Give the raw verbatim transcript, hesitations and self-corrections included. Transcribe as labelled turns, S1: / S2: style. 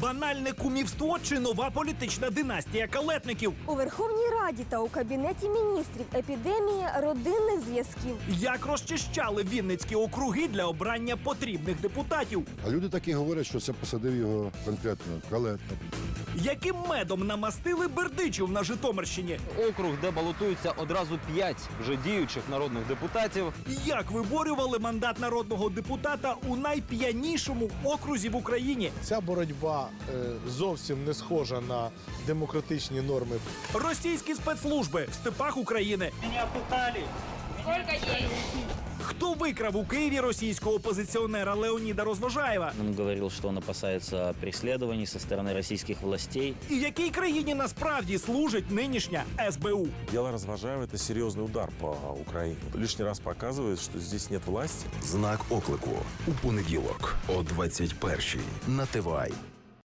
S1: Банальне кумівство чи нова політична династія калетників?
S2: У Верховній Раді та у Кабінеті міністрів епідемія родинних зв'язків.
S1: Як розчищали вінницькі округи для обрання потрібних депутатів?
S3: А люди такі говорять, що це посадив його конкретно калетник.
S1: Яким медом намастили бердичів на Житомирщині?
S4: Округ, де балотуються одразу п'ять вже діючих народних депутатів.
S1: Як виборювали мандат народного депутата у найп'янішому окрузі в Україні?
S5: Ця боротьба е, зовсім не схожа на демократичні норми.
S1: Російські спецслужби в степах України. Хто викрав у Києві російського опозиціонера Леоніда Розважаєва?
S6: Он говорил, что он опасается преследований со стороны российских властей.
S1: І якій країні насправді служить нинішня ес бе у?
S7: Дело Развожаева – это серьезный удар по Украине. Лишний раз показывает, что здесь нет власти.
S8: Знак оклику у понеділок о двадцять першій на Т В А.